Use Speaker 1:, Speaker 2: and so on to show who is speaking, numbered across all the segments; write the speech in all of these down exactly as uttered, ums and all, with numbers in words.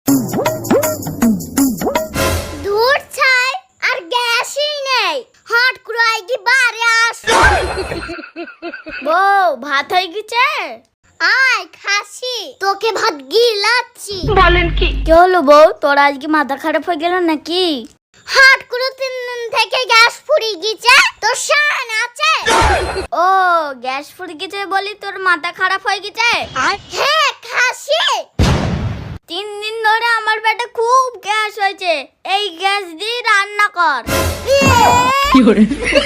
Speaker 1: দূর ছাই আর গ্যাসই নেই, হট করে আইগি বাড়ি আস। বউ ভাত হয়ে গেছে? আয় খাসি, তোকে ভাত গিলাচ্ছি।
Speaker 2: বলেন কি?
Speaker 1: কি হলো বউ, তোর আজকে মাথা খারাপ হয়ে গেল নাকি? হট করে তিন দিন থেকে গ্যাস ফুরিয়ে গেছে, তোর শান আছে? ও গ্যাস ফুরিয়ে গেছে বলি তোর মাথা খারাপ হয়ে গেছে? হ্যাঁ খাসি, তিন দিন ধরে আমার পেটে খুব গ্যাস হয়েছে, এই গ্যাস দিয়ে রান্না কর।
Speaker 2: কি করে?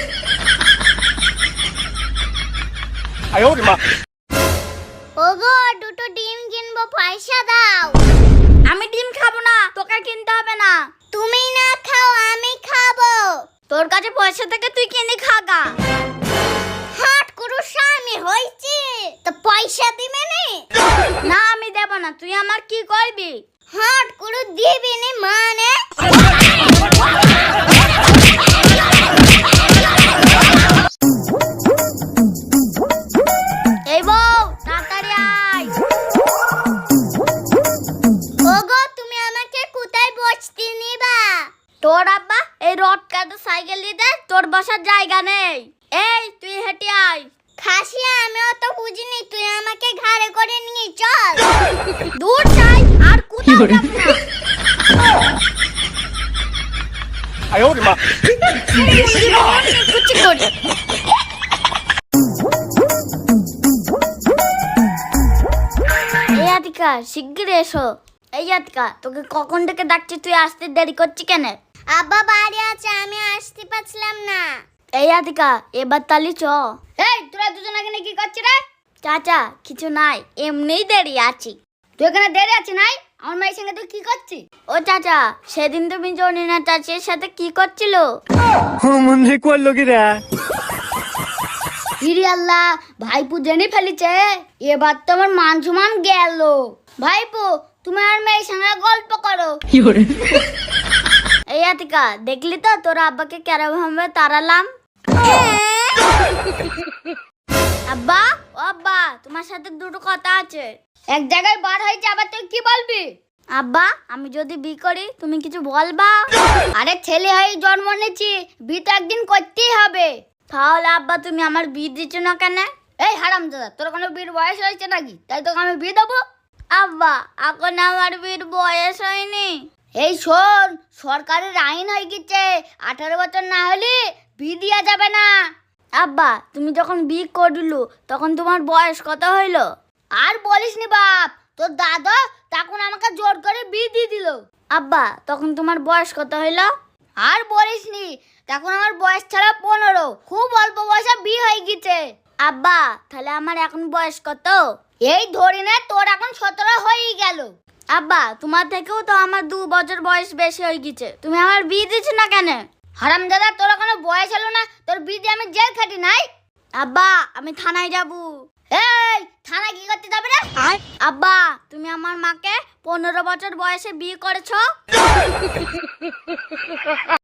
Speaker 1: ওগো দুটো ডিম কিনবো, পয়সা দাও। আমি ডিম খাবো না, তোকে কিনতে হবে না। তুমি না খাও আমি খাবো। তোর কাছে পয়সা থেকে তুই কিনে খাগা। হাট করু স্বামী হইছে তো পয়সা দিবে নি? না আমি দেব না, তুই আমার কি করবি? হাট করু দিবি নি মানে? এই বউ তাড়াতাড়ি আয়। ওগো তুমি আমাকে কোথায় বসতে নিবা? তোর আব্বা এই রড কাটা সাইকেল দিতে তোর বসার জায়গা নেই। এই তুই হেঁটে আয়। খাসি আমি অত বুঝিনি, তুই আমাকে ঘাড়ে করে নিয়ে চল। দূর যাই আর কোথাও যাব না।
Speaker 2: আয় ওরে মা।
Speaker 1: কুচি করে এই আতিকা শিগগির এসো। এই আতিকা তোকে কখন থেকে ডাকছি, তুই আসতে দেরি করছিস কেন? আব্বা বাড়ি আছে, আমি আসতে পারছিলাম না। এই আতিকা এবার তালি চ। এই তোরা দুজন এখানে কি করছিস রে? চাচা কিছু নাই, এমনিই দেরি আছি। তুই এখানে দেরি আছিস নাই? আমার মায়ের সঙ্গে তুই কি করছিস? ও চাচা সেদিন তুমি জনিনা চাচির সাথে কি করছিল?
Speaker 2: মনে করলো কি রে?
Speaker 1: ইরি আল্লাহ, ভাইপু জেনে ফেলেছে, এবার তো আমার মান সম্মান গেল। ভাইপু তুমি আর মেয়ের সঙ্গে গল্প করো।
Speaker 2: কি করে?
Speaker 1: এই আতিকা দেখলি তো তোর আব্বাকে কেরম ভাবে তাড়ালাম। আব্বা ও আব্বা তোমার সাথে দুটো কথা আছে। এক জায়গায় বার হয়েছে, আবার তুই কি বলবি? আব্বা আমি যদি বি করি তুমি কিছু বলবা? আরে ছেলে হয়ে জন্ম নিয়েছি, বি তো একদিন করতেই হবে। তাহলে আব্বা তুমি আমার বি দিচ্ছ না কেন? এই হারামজাদা, তোর কোনো বিয়ের বয়স হয়েছে নাকি তাই তোকে আমি বিয়ে দেবো? আব্বা এখন আমার বিয়ের বয়স হয়নি। এই শোন, সরকারের আইন হয়ে গেছে, আঠারো বছর না হলে বিয়ে দেওয়া যাবে না। আব্বা তুমি যখন বিয়ে করলু তখন তোমার বয়স কত হইলো? আর বলিস নি বাপ, তোর দাদা তখন আমাকে জোর করে বিয়ে দিয়ে দিল। আব্বা তখন তোমার বয়স কত হইলো? আর বলিস নি, তখন আমার বয়স ছাড়া পনেরো, খুব অল্প বয়সে বিয়ে হয়ে গেছে। আব্বা তাহলে আমার এখন বয়স কত? এই ধরি না তোর এখন সতেরো হয়ে গেল। আব্বা তোমার থেকেও তো আমার দু বছর বয়স বেশি হয়ে গেছে, তুমি আমার বিয়ে দিচ্ছ না কেন? হারামজাদা তোর কোনো বয়স হলো না, তোর বিয়ে দিয়ে আমি জেল খাটি নাই। আব্বা আমি থানায় যাবো। এই থানায় কি করতে যাবে রে? আব্বা তুমি আমার মাকে পনেরো বছর বয়সে বিয়ে করেছো।